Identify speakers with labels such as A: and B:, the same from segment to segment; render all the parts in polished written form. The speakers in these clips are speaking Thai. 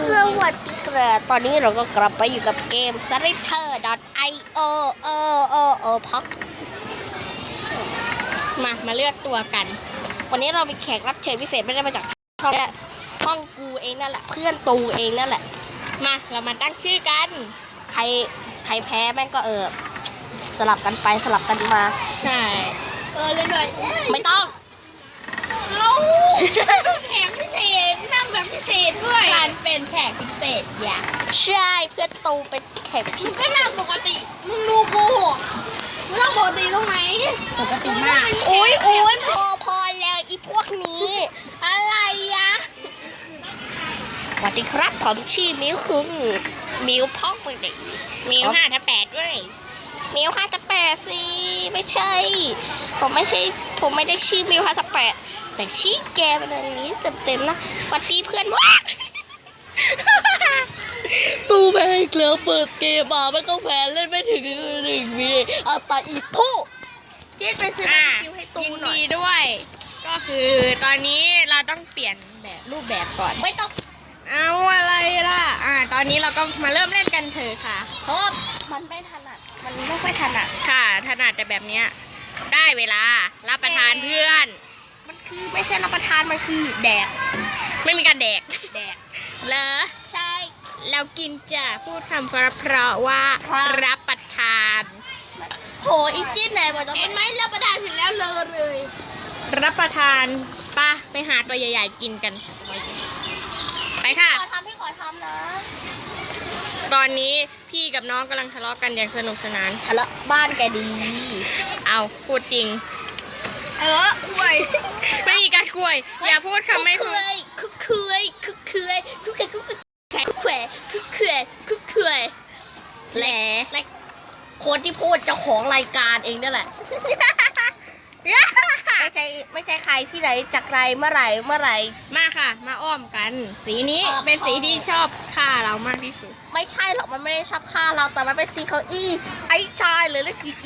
A: สวัสดีครับตอนนี้เราก็กลับไปอยู่กับเกม Slither.io พักมาเลือกตัวกัน วันนี้เรามีแขกรับเชิญพิเศษไม่ได้มาจากห้องกูเองนั่นแหละเพื่อนตูเองนั่นแหละมาเรามาตั้งชื่อกันใครแพ้แม่งก็สลับกันไปสลับกันมา
B: ใช่
A: เลยหน่อยไม่ต้อง
B: เอาแขกพิเศษนั่งแบบพิเศษด้วย
A: การเป็นแขกพิเศษอย่าใช่เพื่อนตูเป็นแขกพิเศษ
B: ก็นั่งปกติมึงดูกูมึงนั่งปกติตรงไหน
A: ปกติมากโอ้ยพอแล้วอีพวกนี้
B: อะไรอะ
A: สวัสดีครับผมชื่อมิวคุงมิวพ่อคนเด็ก
B: มิว5/8ด้วย
A: มิว5/8สิไม่ใช่ผมไม่ได้ชื่อมิว5/8แต่ชื่อแกเป็นอันนี้เต็มนะสวัสดีเพื่อนว้าตูแพ้อีกแล้วเปิดเกมมาไม่ต้องแพ้เล่นไม่ถึง1 วิเอาตาอีผู้เจ๊ไปซื้อคิวให้ตูหน่อย
B: ยินดีด้วยก็คือตอนนี้เราต้องเปลี่ยนแบบรูปแบบก่อน
A: ไม่ต้อง
B: เอาอะไรล่ะตอนนี้เราก็มาเริ่มเล่นกันเถอะค่ะ
A: เพราะมันไม่ถนัดมันไม่ค่อยถนัด
B: ค่ะถนัดแต่แบบเนี้ยได้เวลารับประทานเพื่อน
A: มันคือไม่ใช่รับประทานมันคือแดก
B: ไม่มีการแดก
A: เหรอใช่
B: เรากินจะพูดคำเพราะว่ารับประทาน
A: โหอีจิ้นไหนมันต้อง
B: เห็นไหมรับประทานเสร็จแล้วเลยรับประทานไปหาตัวใหญ่ๆกินกันไปค่ะ
A: พี่ขอทำนะ
B: ตอนนี้พี่กับน้องกำลังทะเลาะกันอย่างสนุกสนาน
A: ทะเลาะบ้านแกดี
B: เอาพูดจริงคุยไม่มีการคุยอย่าพูดคำไม่
A: คุยแหละคนที่พูดเจ้าของรายการเองนั่นแหละไม่ใช่ใครที่ไหนจากไรเมื่อไหร่
B: มาค่ะมาอ้อมกันสีนี้เป็นสีที่ชอบฆ่าเรามากที่สุด
A: ไม่ใช่หรอกมันไม่ได้ชอบฆ่าเราแต่มันเป็นสีเขาไอ้ชายเลยนั่นคือ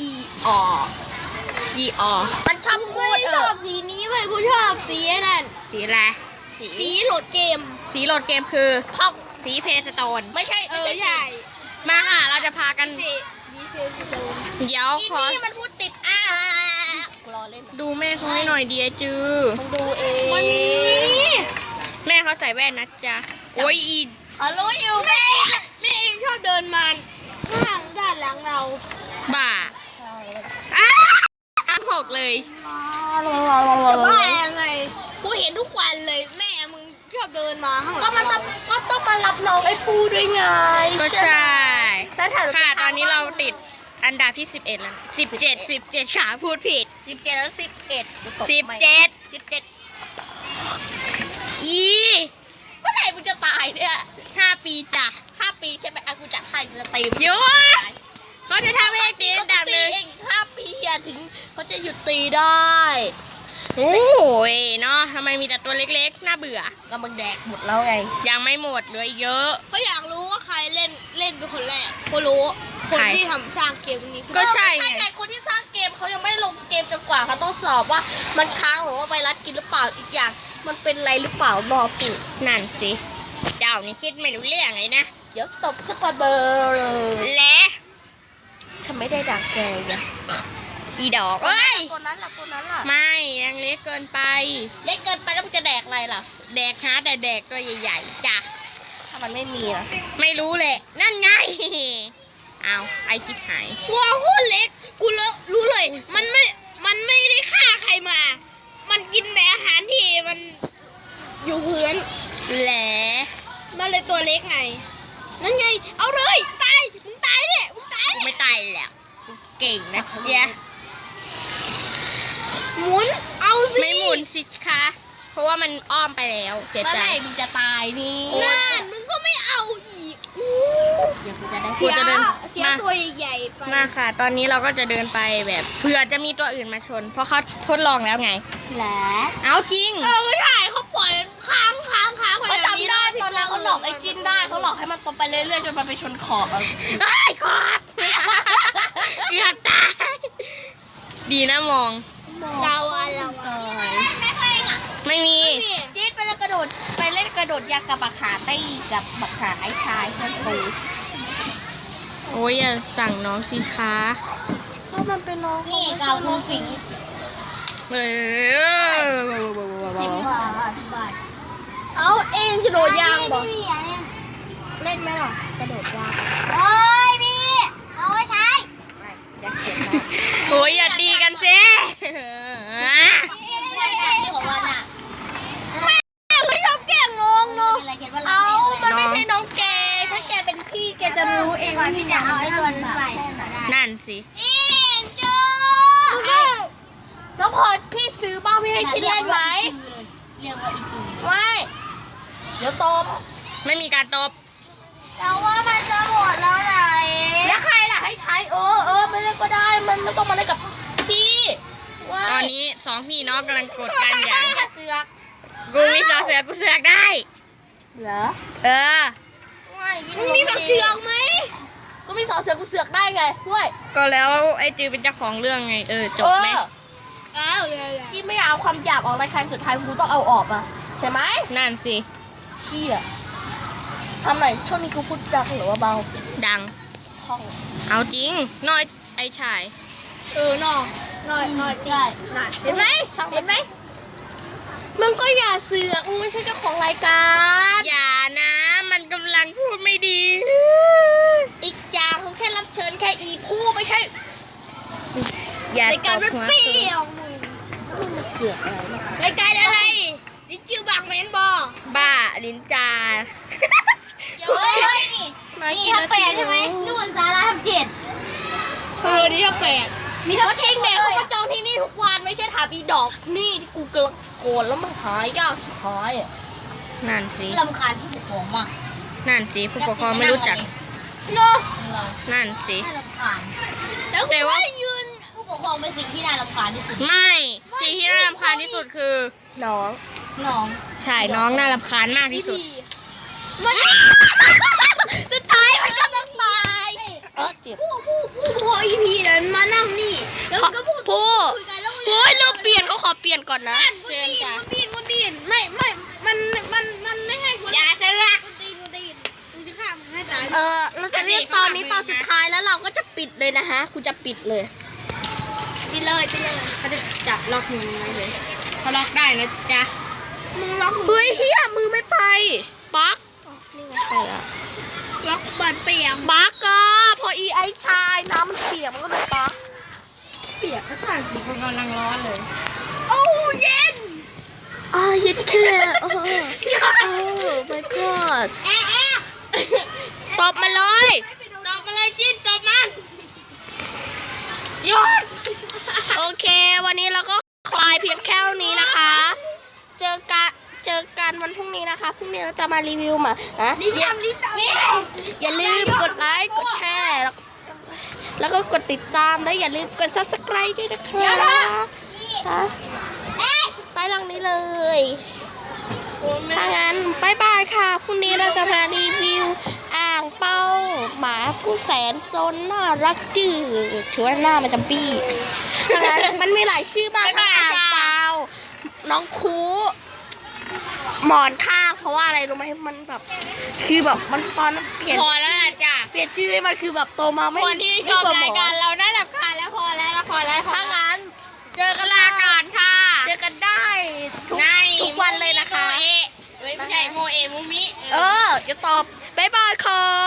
A: มันชอบพูด
B: ชอบสีนี้เว้ยกูชอบสีนั่นสีอะไรสีโหลดเกมคือ
A: พอก
B: สีเพสโตน
A: ไม่ใช่
B: มาค่ะเราจะพากันเดี๋ยว
A: ขอนี่มันพูดติดรอเล่น
B: ดูแม่เขาให้หน่อยดีจื้อ
A: ดูเอง
B: แม่เขาใส่แว่นนะจ๊ะโอ้ย
A: รู้อยู่แม่
B: เองชอบเดินมาข้างด้านหลังเราบ้าหกเลยจะบ้ายังไงกูเห็นทุกวันเลยแม่มึงชอบเดินมาข้างหลัง
A: ก็ต้องมารับน้องไอ้ปูด้วยไง
B: ก็ใช่ค่ะตอนนี้เราติดอันดับที่11แล้ว17ค่ะพูดผิด
A: 17แล้ว
B: 17
A: เมื่อไหร่มึงจะตายเนี่ย
B: 5 ปีจ้ะ
A: 5 ปีใช่ไหมกูจัดให้จะตี
B: เยอะเขาจะทำให้ตีอันดับนึง
A: อีก5 ปีถึงเขาจะหยุดตีได้
B: โอ้ยเนาะทำไมมีแต่ตัวเล็กๆน่าเบื่อ
A: ก็มึงแดกหมดแล้วไง
B: ยังไม่หมดเหลือเยอะ
A: เขาอยากรู้ว่าใครเล่นเป็นคนแรกกูรู้คนที่ทำสร้างเกมนี้
B: ก็ใช่
A: ไงคนที่สร้างเกมเขายังไม่ลงเกมจนกว่าเขาต้องสอบว่ามันค้างหรือว่าไวรัสกินหรือเปล่าอีกอย่างมันเป็นอะไรหรือเปล่ารอปู่
B: นั่นสิเจ้านี่คิดไม่รู้เรื่องเลยนะ
A: เดี๋ยวตบสักเบอร์
B: และ
A: ทำไมได้ดักแกเนี่ย
B: อีดอกเอ้ย
A: ตัวนั้นล่ะ
B: ไม่ยังเล็กเกินไป
A: แล้วมันจะแดกอะไรล่ะ
B: แดกแต่แดกตัวใหญ่ๆจ้ะ
A: ถ้ามันไม่มีล่ะ
B: ไม่รู้แหละนั่นไงเอาไอคิดหาย
A: ว้าวโคตรเล็กกูรู้เลยมันไม่ได้ฆ่าใครมามันกินแต่อาหารที่มันอยู่พื้น
B: แหละ
A: มันเลยตัวเล็กไงนั่นไงเอาเลยมึงตายเนี่ย
B: กูไม่ตายแล้วเก่งนะเจ๊
A: หมุนเอาสิ
B: ไม่หมุนสิคะเพราะว่ามันอ้อมไปแล้วเสียใจ
A: มึงจะตายนี่
B: นั่
A: นมึงก็ไม่เอาอีกเดี๋ยวกูจะได้เสียตัวใหญ่ๆไป
B: มาค่ะตอนนี้เราก็จะเดินไปแบบเผื่อจะมีตัวอื่นมาชนเพราะเขาทดลองแล้วไง
A: แหละ
B: เอาจริง
A: ไม่ใช่เขาปล่อยค้างเขาจำได้ตอนนั้นเขาหลอกไอ้จินได้เขาหลอกให้มันตรงไปเรื่อยๆจนมันไปชนขอบ
B: ขอบเกือบตายดีนะมอง
A: ดาวอะไร
B: ไม่มี
A: จี๊ดไปแล้วกระโดดไปเล่นกระโดดยางกับบักขาตี้กับบักขาไอ้ชายเพื่อนตู
B: โอ้ยอย่าสั่งน้องสิคะ
A: ก็มันเป็นน้อง
C: นี่เกาคุณฝิง
B: เออ
A: เอาเองจะโดดยางบอก
C: พี่อะไร
A: เล่นไหมล่ะกระโดดยาง
C: โอ้ยพี่เอาไว้ใช้
A: อยากเขียน
B: โอ้ยอย่าตีกันสิ
C: ที่ของวันอ่ะ
A: ไม่ชอบแกล้งน้องเนาะ
C: อะไรเขียนว่า
A: เอา
C: เรา
A: มันไม่ใช่น้องแกถ้าแกเป็นพี่แกจะรู้เอง
C: ก่อนที่จะเอาไอ้ตัวนั้นไป
B: นั่นสิ
C: อิงจู
A: น้องพลอยพี่ซื้อบ้างพี่ให้ชิ้นเล่นไหม
C: เรียกว่าอีจู
A: ไม่เดี๋ยวตบ
B: ไม่มีการตบ
C: แต่ว่ามันจะหมดแล้วไหน
A: แล้วใครล่ะให้ใช้ไม่เล่นก็ได้มันไม่ต้องมาเล่นกับพี่ว่า
B: ตอนนี้สองพี่น้องกำลังกดกันอย่าง
A: เสือก
B: กูมีสอเสือกูเสือกได้
A: เหรอ
B: เออ
A: มึงมีแบบเสือกไหมก็มีสอเสือกกูเสือกได้ไงเว้ย
B: ก็แล้วไอ้จือเป็นเจ้าของเรื่องไง จบไหม
A: พี่ไม่เอาความหยาบออกรายการสุดท้ายกูต้องเอาออกอ่ะใช่ไหม
B: นั่นสิ
A: เชี่ยทำหน่อยช่วงนี้กูพูดดังหรือว่าเบา
B: ดัง
A: คล่อง
B: เอาจริงน้อยไอ้ชาย
A: น้อยได้เห็นไหมเห็นไหมมึงก็อย่าเสือกมึงไม่ใช่เจ้าของรายการ
B: อย่านะ มันกำลังพูดไม่ดี
A: อีกอย่างเขาแค่รับเชิญแค่อีผู้ไม่ใช่
B: อย่าร
A: ายการมัน
B: ตบหัว
A: เปรี้ยวมึงมาเสือกอะไรรายการอะไรดิจิวบักแมนบอ
B: บ้าลิ้นจา
C: เฮ้ยนี่ทำแปดใช่ไหมนู่นสาระทำเจ็ด
A: นี่ถ้าแปดมีทั้งเทงเด็กเขามาจองที่นี่ทุกวันไม่ใช่ถามอีดอกนี่ที่กูกระโกนแล้วมันหายก้าวสุดท้ายอ่ะ
B: นั่นสิ
C: ลำคาญผู้ปกครองมาก
B: นั่นสิผู้ปกครองไม่รู้จัก
A: เนาะ
B: นั่นสิ
C: น่ารำคาญ
A: แล้วกูว่ายืน
C: ผู้ปกครองเป็นสิ่งที่น่ารำคาญที่สุด
B: ไม่สิ่งที่น่ารำคาญที่สุดคือ
A: น้อง
C: น้อง
B: ใช่น้องน่ารำคาญมากที่สุด
A: มันจะตายมันก็ต้องตายเจ็บ
C: พออีพีนั้นมานั่งนี่ แล้วก็พูด
A: ผู้
C: คุยกันแล้ว
A: โอ้ยเราเปลี่ยนเขาขอเปลี่ยนก่อนนะ
B: เชิญจ้ะ
C: กูตีนไม่มันไม่ให้กู
B: อย่าเสือก
C: กูตีนกูจะฆ่ามึงให้ตาย
A: เราจะเรียกตอนนี้ตอนสุดท้ายแล้วเราก็จะปิดเลยนะฮะกูจะปิดเลย
C: ปิดเลย
B: เขาจะจับล็อกมือไว้เลยเขาล็อกได้นะจ๊ะ
C: มึงล็อก
A: เฮ้ยเฮียมือไม่ไปบั๊กนี่ไงไปแล้ว
C: ล็อกบัตรเปียก
A: บั๊กก็พอไอชายน้ำมันเปียกมันก็เลยบั๊ก
B: เปียกก็สั่งสิคนกำลังร้อนเลย
C: โอ้เย็น
A: เย็นแค่โอ้ my god
C: แอะแอะ
A: ตบมาเลย
B: ตบอะไรจิ้นตบมันหยด
A: โอเค วันนี้เราก็คลายเพียงแค่นี้นะคะ เจอกันวันพรุ่งนี้นะคะพรุ่งนี้เราจะมารีวิวมานะ
C: ลิ้นดำ
A: อย่าลืมกดไลค์กดแชร์แล้วก็กดติดตามแล้วอย่าลืมกด subscribe ด้วยนะคะใต้ลังนี้เลยถ้างั้นบายบายค่ะพรุ่งนี้เราจะมารีวิวอ่างเป้าหมาผู้แสนซนน่ารักดื้อถือว่าหน้ามันจะปี้ถ้างั้นมันมีหลายชื่อมากค่ะอ่างเปาน้องคูหมอนข้างเพราะว่าอะไรรู้ไหมมันแบบคือแบบมันตอนเปลี่ยน
B: พอแล้วนะจ้ะ
A: เปลี่ยนชื่อให้มันคือแบบโตมาไม่
B: คนที่ช
A: ไม่
B: อบ
A: กลัวหม
B: ราย
A: อ
B: การเราน่ารำคาญแล้วพอแล้วพอแล้ว
A: ถ้างั้นเจอกัน
B: ลาก่อนค่ะ
A: เจอกันได้ทุกวันเลยนะคะ
B: โมเอะไม่ใช่โมเอะมุมิ
A: จะตอบบายบายค่ะ